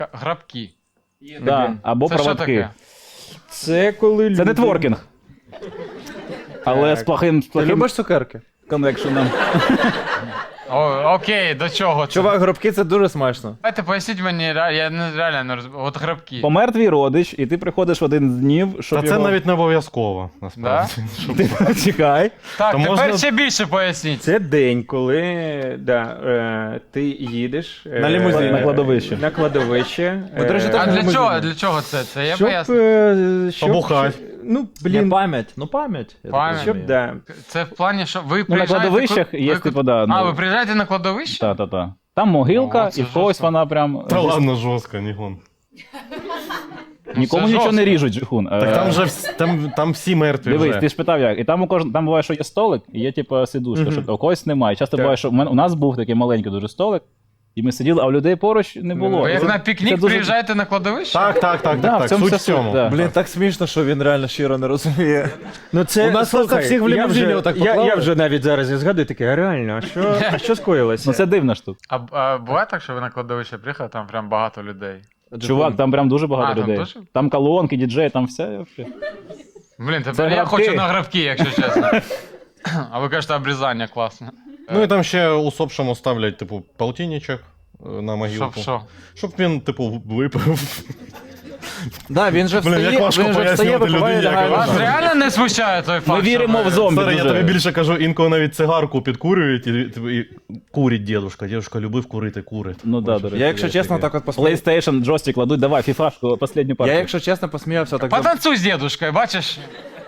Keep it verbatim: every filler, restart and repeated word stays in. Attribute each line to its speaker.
Speaker 1: Грабки.
Speaker 2: Да, або
Speaker 1: Це що
Speaker 2: проводки.
Speaker 1: таке?
Speaker 3: Це коли люди...
Speaker 2: Це нетворкінг. Але з плохим, з
Speaker 3: Ти
Speaker 2: плохим
Speaker 3: любиш цукерки?
Speaker 2: коннекшеном.
Speaker 1: О, окей, до чого це?
Speaker 3: Чувак, гробки це дуже смачно.
Speaker 1: Давайте поясніть мені, ре- я не- реально не розумію. От грабки.
Speaker 2: Помер твій родич, і ти приходиш в один з днів, щоб
Speaker 4: Та це
Speaker 2: його...
Speaker 4: навіть не обов'язково, насправді.
Speaker 2: Ти чекай.
Speaker 1: Так,
Speaker 4: То
Speaker 1: тепер
Speaker 4: можна-
Speaker 1: ще більше поясніть.
Speaker 3: Це день, коли да, е, ти їдеш е,
Speaker 4: На лімузині.
Speaker 2: На кладовище.
Speaker 3: На кладовище.
Speaker 5: Ми, до речі,
Speaker 3: е,
Speaker 5: так
Speaker 1: А
Speaker 5: на
Speaker 1: для
Speaker 5: лимузині.
Speaker 1: чого, для чого це? Це я
Speaker 3: щоб,
Speaker 1: поясню.
Speaker 3: е, щоб,
Speaker 4: Побухать.
Speaker 3: щоб- Ну,
Speaker 5: Блін,
Speaker 3: блін,
Speaker 5: пам'ять. Ну пам'ять. я так
Speaker 1: Пам'ять.
Speaker 3: щоб,
Speaker 5: розумію.
Speaker 3: да.
Speaker 1: Це в плані, що ви
Speaker 2: Ну, на
Speaker 1: приїжджаєте...
Speaker 2: кладовищах
Speaker 1: ку-
Speaker 2: є,
Speaker 1: ви-
Speaker 2: типу, да.
Speaker 1: А,
Speaker 2: ну,
Speaker 1: ви приїжджаєте на кладовище?
Speaker 2: Та-та-та. Там могилка,
Speaker 1: О, це
Speaker 2: і в когось
Speaker 1: жорстко.
Speaker 2: вона прям...
Speaker 4: Та ладно, жорстко, Нігон.
Speaker 2: Нікому
Speaker 1: це
Speaker 2: нічого не
Speaker 1: жорстко.
Speaker 2: ріжуть, Джихун.
Speaker 4: Так там вже вс- там, там всі мертві
Speaker 2: Дивись,
Speaker 4: вже.
Speaker 2: ти ж питав як. І там у кожного, там буває, що є столик, і є типу сидушка, що у когось немає. Часто
Speaker 3: Так.
Speaker 2: буває, що у, мене, у нас був такий маленький дуже столик, і ми сиділи, а у людей поруч не було.
Speaker 1: Ви
Speaker 2: І
Speaker 1: як
Speaker 2: це-
Speaker 1: на
Speaker 2: це
Speaker 1: пікнік
Speaker 2: дуже-
Speaker 1: приїжджаєте на кладовище?
Speaker 4: Так, так, так,
Speaker 2: Да,
Speaker 4: так,
Speaker 2: в
Speaker 4: так.
Speaker 2: цьому
Speaker 4: Суть в
Speaker 2: вся суть,
Speaker 4: цьому.
Speaker 2: да.
Speaker 5: Блін, так смішно, що він реально щиро не розуміє.
Speaker 3: Ну, це,
Speaker 5: У нас просто
Speaker 3: слухай,
Speaker 5: всіх в
Speaker 3: я
Speaker 5: лімузині
Speaker 3: вже-
Speaker 5: отак
Speaker 3: я,
Speaker 5: поклали.
Speaker 3: я вже навіть зараз не згадую, таке, а реально, а що, а що скоїлося?
Speaker 2: Ну це дивна штука.
Speaker 1: А, а буває так, що ви на кладовище приїхали, там прям багато людей?
Speaker 2: Чувак, там прям дуже багато
Speaker 1: А, там
Speaker 2: людей.
Speaker 1: дуже?
Speaker 2: Там колонки, діджей, там все. вообще.
Speaker 1: Блін, тепер
Speaker 2: Це
Speaker 1: я
Speaker 2: грабки.
Speaker 1: хочу на грабки, якщо чесно. А ви кажете, обрізання класне.
Speaker 4: Ну і там ще усопшому ставлять, типу, полтинничок е, на могилку.
Speaker 1: Щоб що?
Speaker 4: Щоб він, типу, випив.
Speaker 5: Да, він же
Speaker 4: Блін,
Speaker 5: встає,
Speaker 4: як важко
Speaker 5: він же встає,
Speaker 4: пояснювати
Speaker 5: випиває,
Speaker 4: людині,
Speaker 5: лягає
Speaker 4: яка
Speaker 1: Вас
Speaker 5: лежати.
Speaker 1: реально не смущає той факт?
Speaker 2: Ми
Speaker 1: що
Speaker 2: віримо
Speaker 1: ви-
Speaker 2: в зомбі.
Speaker 4: Старий, я
Speaker 2: дуже.
Speaker 4: тобі більше кажу, інколи навіть цигарку підкурюють, і, типу, і курить дідушка. Дідушка любив курити, курить.
Speaker 2: Ну да, до речі.
Speaker 5: Я, якщо
Speaker 4: Є
Speaker 5: чесно,
Speaker 4: таке.
Speaker 5: так от посміявся.
Speaker 2: PlayStation, джойстик кладуть, давай, фіфашку, останню
Speaker 5: Я,
Speaker 2: партію.
Speaker 5: якщо чесно, посміявся так. за-
Speaker 1: Потанцуй з дедушкою, бачиш?